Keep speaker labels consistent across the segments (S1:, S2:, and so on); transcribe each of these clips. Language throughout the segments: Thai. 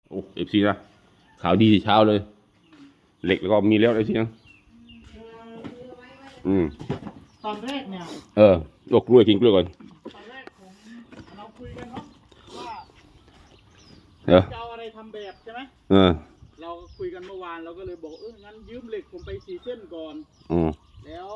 S1: โอ้เอฟซีนะข่าวดีเช้าเลยเหล็กแล้วก็มีแล้วไอ้ทีนะ
S2: ตอนแรกเนี่ย
S1: ลวกกล้วยกินกล้วยก่อน
S2: ตอนแรกเราคุยกันเนาะว่าจะเอาอะไรทำแบบใช่ไหมเราคุยกันเมื่อวานเราก็เลยบอกงั้นยืมเหล็กผมไป4 เส้นก่อนแล้ว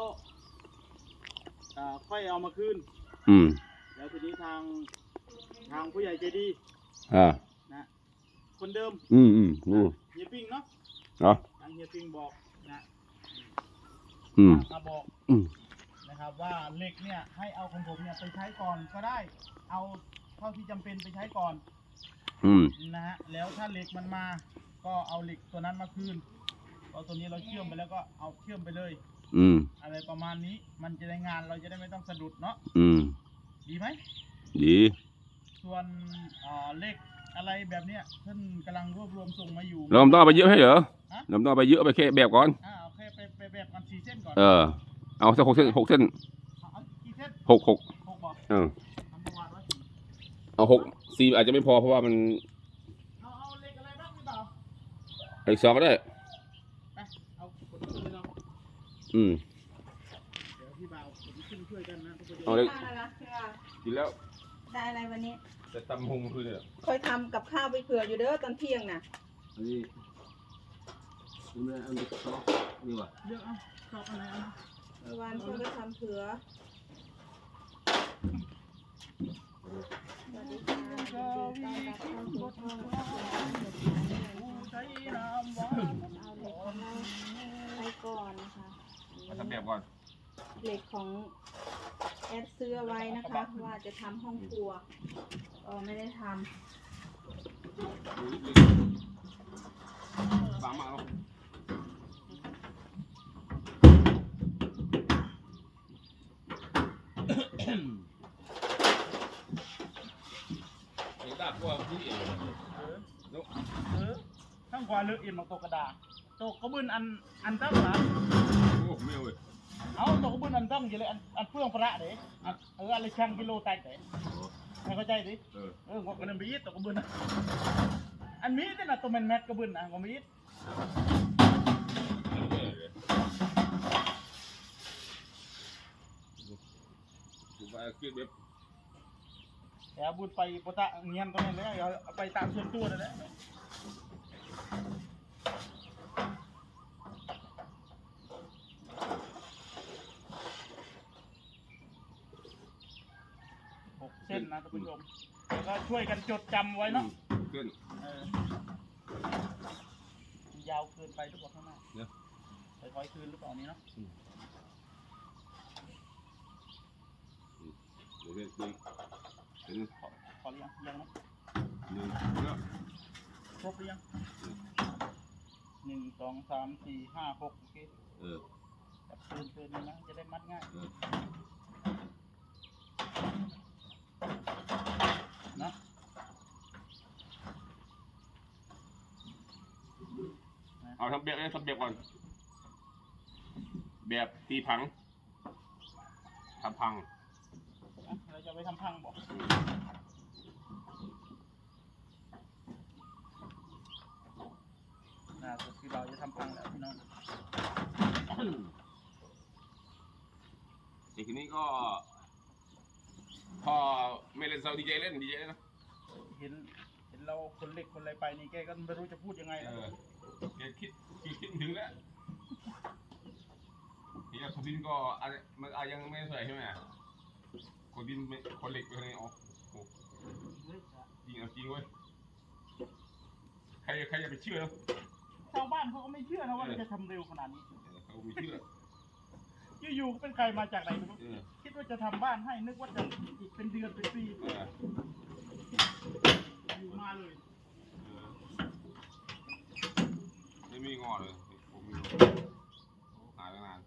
S2: ค่อยเอามาคืนแล้วทีนี้ทางผู้ใหญ่ใจดีนะคนเดิมเฮียปิ้งเนาะทางเฮียปิ้งบอกนะมาบอกนะครับว่าเหล็กเนี่ยให้เอาของผมเนี่ยไปใช้ก่อนก็ได้เอาเท่าที่จำเป็นไปใช้ก่อนนะฮะแล้วถ้าเหล็กมันมาก็เอาเหล็กตัวนั้นมาคืนเอาตัวนี้เราเชื่อมไปแล้วก็เอาเชื่อมไปเลยอะไรประมาณนี้มันจะได้งานเราจะได้ไม่ต้องสะดุดเนาะดีไหม
S1: ดี
S2: ส่วนเหล็กอะไรแบบเนี้ยท่านกำลังรวบรวมส่งมาอยู่
S1: เราต้องไปเยอะให้เหรอเราต้องไปเยอะไปแค่แบบก่อน
S2: โอเคไปแบบกัน4 เส้นก่อน
S1: เอาสัก6 เส้น6 เส้น
S2: กี่เส้น
S1: 6
S2: บอก
S1: เอา6 4อาจจะไม่พอเพราะว่ามัน
S2: เอาเหล็กอะไรบ้างพี่บ่าว
S1: เหล็ก2ก็ได้
S2: เอาคนอื่นเลยเนาะเดี๋ยวพี่บ่าวผมขึ้นช่วยกันนะ
S1: เอาเหล็กกินแล้ว
S3: ได้อะไรวันนี้
S1: จะตำหงคือเนี่ย
S3: คอยทำกับข้าวไปเผื่ออยู่เด้อตอนเที่ยงน่ะ
S1: อันนี้อันนี้ซอสนี่วะ
S2: เลือกเอาชอบอะไรเอา
S3: เมื่อวานเขาก็ทำเผื่อสวัสดีค่ะต้อนรับเข้าสู่ช่องเอาเหล็กของเราไปก่อนนะคะ
S1: มาทำแบบก่อน
S3: เหล็กของแอดซื้อไว้นะคะว่าจะทำห้องครัวไม่ได้ทำ
S1: บางมากเนาะเห็นตาพวกพี่
S2: ข้างขวาเลือกอินมาตกกระดาษตกกระบืนอันตั้งเหรอ
S1: โอ้ไม่เอาเลย
S2: เอาตกกระบืนอันตั้งอยู่เลยอันเฟื่องพระเด้อะไรช่างกิโลแตกเด้ไม่เข้าใจดิงดกันบีตกกระบืนอันมีดน่ะตัวแมทกระบืนก็มีดแต่บุญไปปะตะเงียนก็ไม่เลยเอาไปตามส่วนตัวเลยนะ6 เส้นนะท่านผู้ชมแล้วก็ช่วยกันจดจำไว้เนาะยาวเกินไปหรือเปล่าข้างหน้าคอยคืนหรือเปล่านี้เนาะขอเรียงยังนะครบหรือยัง1 2 3 4 5 6โอเคจับคืนนะจะได้มัดง่ายนะ
S1: เอาทำแบบนี้ทำแบบก่อนแบบตีพังทำพัง
S2: เราจะไปทำพังบอกสุดที่เราจะทำพังแล้วพี่น้อง
S1: ทีนี้ก็พอไม่เล่นเซาดีเจเล่นนะ
S2: เห็นเราคนเล็กคนอะไรไปนี่แกก็ไม่รู้จะพูดยังไง
S1: แกคิดถึงแล้วนี่สุบินก็มันยังไม่สวยใช่ไหมคนดินคนเหล็กคนนี้อ๋อจริงเว้ยใครจะไปเชื่อเนาะ
S2: ชาวบ้านเขาก็ไม่เชื่อนะว่าจะทำเร็วขนาดนี้
S1: เขาไม่เชื่อ
S2: อยู่ๆเป็นใครมาจากไหนไม่รู้คิดว่าจะทำบ้านให้นึกว่าจะอีกเป็นเดือนเป็นปีอยู่มาเลย
S1: ไม่มีงอเลยผมหายไปนาน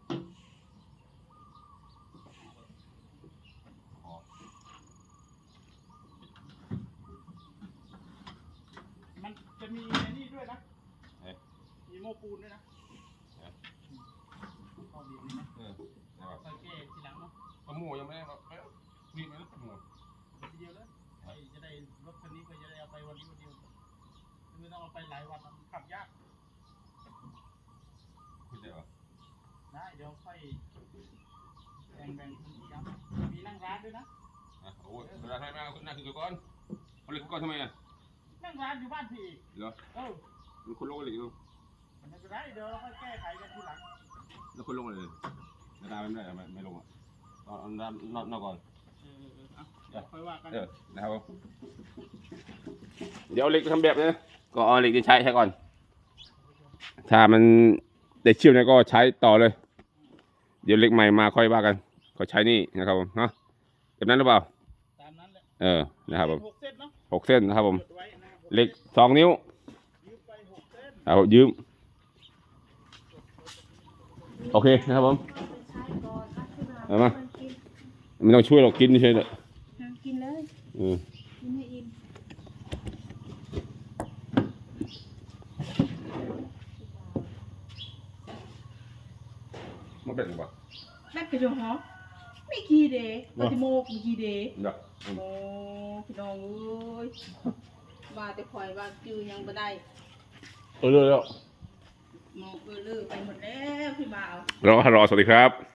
S2: มันจะมีนี่ด้วยนะมีโม้ปูนด้วยนะข้อดีนี่นะค่อยแก้ทีหลังเนาะ
S1: หมูยังไม่ได้รีบไหมหมู
S2: เดียวแล้วจะได้รถคันนี้ก็จะได้เอาไปวันนี้วันเดียวเอาไปหลายวันมันขับยาก
S1: คุณเดี๋ยว
S2: ได้เดี๋ยวค่อยแบ่งพื้นที่ครับมีนั่งร้านด้วยนะ
S1: โอ้ยเวลาทำไมไม่เอาหน้าคือก่อนเอาเหล็กก่อนทำไมอ่ะ
S2: นั่งร้านอยู่บ้านพี่อีก
S1: เหรอ มันคนลงเหล็กอยู่
S2: ไม่เป็นไรเดี๋ยวเราค่อยแก้ไขกันทีหลัง
S1: แล้วคนลงเลยนาดาไม่ได้ไม่ลงอ่ะเอาด้านนอกก่อน
S2: ค่อยว่ากัน
S1: นะครับเดี๋ยวเหล็กทำแบบนี้ก็เอาเหล็กที่ใช้ก่อนถ้ามันได้เชื่อมเนี่ยก็ใช้ต่อเลยเดี๋ยวเหล็กใหม่มาค่อยว่ากันก็ใช้นี่นะครับผมเนาะแบบนั้นหรือเปล่า
S2: ตามนั้นแหละ
S1: นะครับผม
S2: 6 เส้นเนาะ
S1: 6 เส้นนะครับผม
S2: กดไว้นะครับ
S1: เหล็ก2 นิ้ว
S2: ยืมไป6 เส้น
S1: เอายืมโอเคนะครับผม
S3: ใช้ก่อนอ่ะคือแบบ
S1: เอามา
S3: กิน
S1: ไม่ต้องช่วยหรอกกินเฉยๆเลย
S3: กินเลยกินให้อิ่ม
S1: มาเป็นหรือเปล่า
S3: แม่กระจงหอไม่กี่เดย์ปฏิโมกไม่กี่เดย์
S1: เดี๋ยว
S3: โอ้พี่น้องเอ้ยว่าแต่ข่อยว่าจือยังบ่ได้
S1: เร็ว
S3: หมอกเออลือไปหมดแล้วพี่บ่าว
S1: รอสวัสดีครับ